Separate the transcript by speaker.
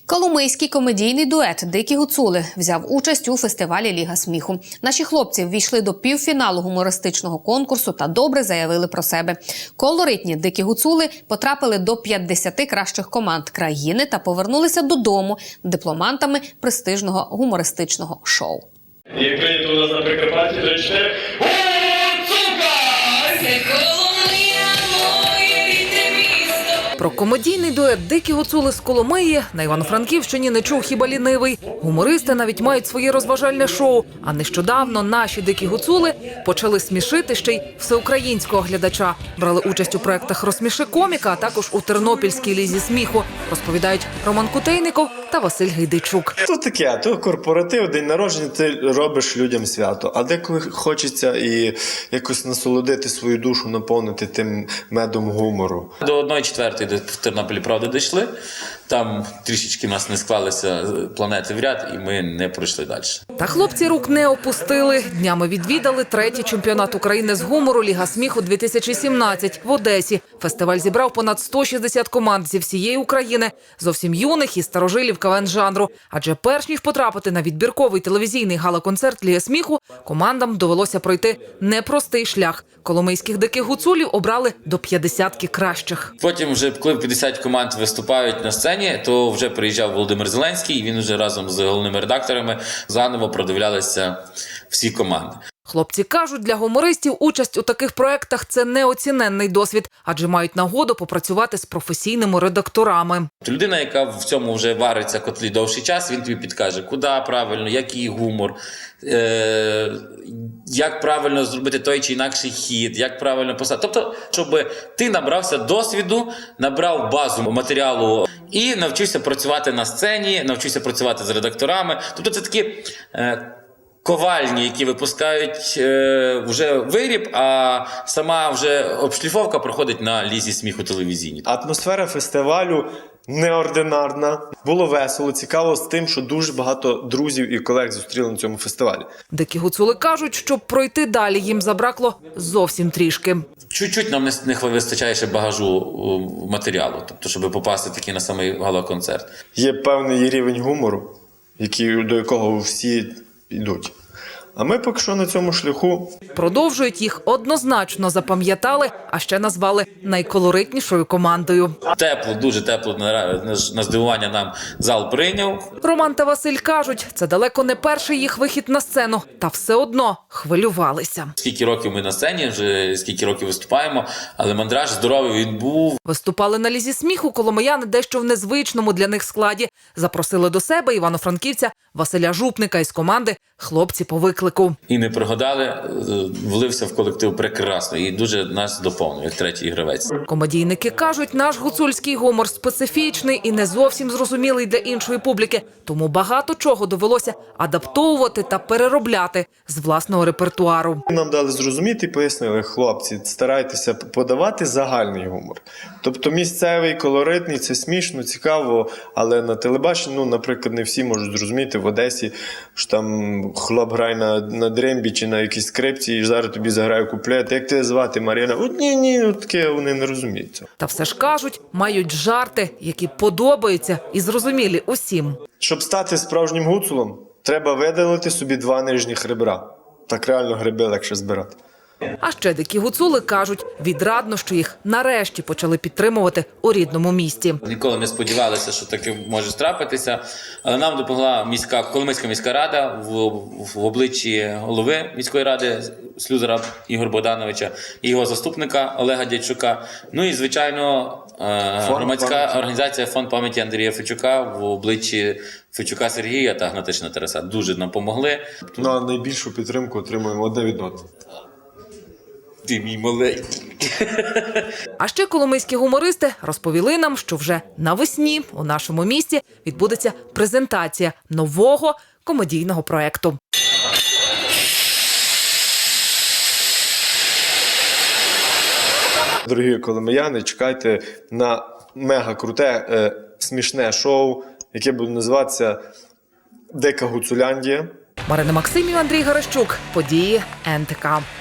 Speaker 1: Коломийський комедійний дует «Дикі гуцули» взяв участь у фестивалі «Ліга сміху». Наші хлопці ввійшли до півфіналу гумористичного конкурсу та добре заявили про себе. Колоритні «Дикі гуцули» потрапили до 50 кращих команд країни та повернулися додому дипломантами престижного гумористичного шоу.
Speaker 2: Як прийнято у нас на Прикарпатті, 3-4.
Speaker 3: Про комедійний дует «Дикі гуцули» з Коломиї на Івано-Франківщині не чув хіба лінивий. Гумористи навіть мають своє розважальне шоу. А нещодавно наші «Дикі гуцули» почали смішити ще й всеукраїнського глядача. Брали участь у проєктах «Розсміши коміка», а також у Тернопільській лізі сміху, розповідають Роман Кутейников та Василь Гайдайчук.
Speaker 4: То таке, то корпоратив, день народження, ти робиш людям свято. А деколи хочеться і якось насолодити свою душу, наповнити тим медом гумору.
Speaker 5: До 1/4 в Тернополі, правда, дійшли. Там трішечки в нас не склалися планети в ряд, і ми не пройшли далі.
Speaker 3: Та хлопці рук не опустили. Днями відвідали 3-й чемпіонат України з гумору «Ліга сміху-2017» в Одесі. Фестиваль зібрав понад 160 команд зі всієї України, зовсім юних і старожилів КВН-жанру. Адже перш ніж потрапити на відбірковий телевізійний гала-концерт «Ліги сміху», командам довелося пройти непростий шлях. Коломийських «Диких гуцулів» обрали до 50 кращих.
Speaker 5: Потім, вже коли 50 команд виступають на сцені, то вже приїжджав Володимир Зеленський, і він вже разом з головними редакторами заново продивлялися всі команди.
Speaker 3: Хлопці кажуть, для гумористів участь у таких проєктах – це неоціненний досвід, адже мають нагоду попрацювати з професійними редакторами.
Speaker 5: Людина, яка в цьому вже вариться котлі довший час, він тобі підкаже, куди правильно, який гумор, як правильно зробити той чи інакший хід, як правильно писати. Тобто, щоб ти набрався досвіду, набрав базу матеріалу і навчився працювати на сцені, навчився працювати з редакторами. Тобто це такі ковальні, які випускають вже виріб, а сама вже обшліфовка проходить на лізі сміху телевізійній.
Speaker 4: Атмосфера фестивалю неординарна. Було весело, цікаво з тим, що дуже багато друзів і колег зустріли на цьому фестивалі.
Speaker 3: Дикі гуцули кажуть, щоб пройти далі, їм забракло зовсім трішки.
Speaker 5: Чуть-чуть нам не вистачає ще багажу матеріалу, тобто, щоб попасти таки на самий гала-концерт.
Speaker 4: Є певний рівень гумору, до якого всі йдуть. А ми поки що на цьому шляху.
Speaker 3: Продовжують, їх однозначно запам'ятали, а ще назвали найколоритнішою командою.
Speaker 5: Тепло, дуже тепло, на здивування нам зал прийняв.
Speaker 3: Роман та Василь кажуть, це далеко не перший їх вихід на сцену, та все одно хвилювалися.
Speaker 5: Скільки років ми на сцені, вже скільки років виступаємо, але мандраж здоровий він був.
Speaker 3: Виступали на лізі сміху коломияни дещо в незвичному для них складі. Запросили до себе івано-франківця Василя Жупника із команди «Хлопці по виклику».
Speaker 5: І не прогадали, влився в колектив прекрасно і дуже нас доповнив, як третій гравець.
Speaker 3: Комедійники кажуть, наш гуцульський гумор специфічний і не зовсім зрозумілий для іншої публіки, тому багато чого довелося адаптовувати та переробляти з власного репертуару.
Speaker 4: Нам дали зрозуміти і пояснили, хлопці, старайтеся подавати загальний гумор. Тобто місцевий, колоритний, це смішно, цікаво, але на телебаченні, наприклад, не всі можуть зрозуміти в Одесі, що там хлоп грає на дрембі чи на якійсь скрипці, і зараз тобі заграє куплет. Як тебе звати, Мар'яна? От ні, таке вони не розуміють цього.
Speaker 3: Та все ж кажуть, мають жарти, які подобаються і зрозумілі усім.
Speaker 4: Щоб стати справжнім гуцулом, треба видалити собі 2 нижніх ребра. Так реально гриби легше збирати.
Speaker 3: А ще дикі гуцули кажуть, відрадно, що їх нарешті почали підтримувати у рідному місті.
Speaker 5: Ніколи не сподівалися, що таке може трапитися, але нам допомогла Коломийська міська рада в обличчі голови міської ради Слюзера Ігоря Богдановича і його заступника Олега Дядчука. Ну і, звичайно, громадська організація «Фонд пам'яті Андрія Фечука» в обличчі Фечука Сергія та Гнатишина Тараса дуже нам допомогли.
Speaker 4: А найбільшу підтримку отримуємо одне від одного.
Speaker 5: Ти мій маленький.
Speaker 3: А ще коломийські гумористи розповіли нам, що вже навесні у нашому місті відбудеться презентація нового комедійного проєкту.
Speaker 4: Дорогі коломияни, чекайте на мега-круте, смішне шоу, яке буде називатися «Дика Гуцуляндія».
Speaker 3: Марина Максимів, Андрій Гарещук. Події НТК.